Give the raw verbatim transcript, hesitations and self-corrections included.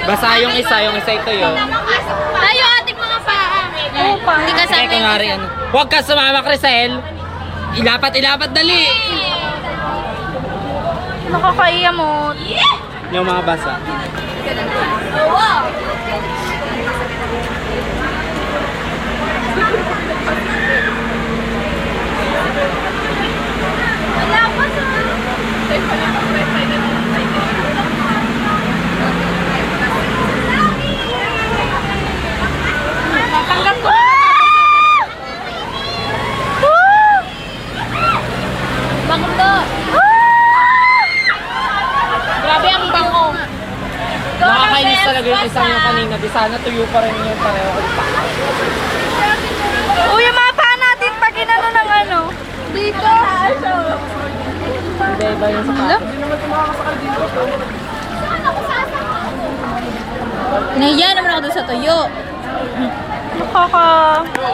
Basa yung isa, yung isa ito yun. Tayo ating mga paa. Oo, pa. Hindi ka Kaya kunwari ano. Huwag ka sumama, Crisel. Ilapat, ilapat, dali. Nakakaiya mo. Yung mga basa. Wow. Wala pa sa... Tatanggap ko na. Banglo. Grabe ang bango. Nakakainis talaga yung isang yung kanina. Di sana tuyo pa rin yung pareho ko pa. Uy, yung mga paa natin pag inano ng ano. Dito. Iba-iba yung sapatos. Nahiya naman ako doon sa tuyo. Nakaka...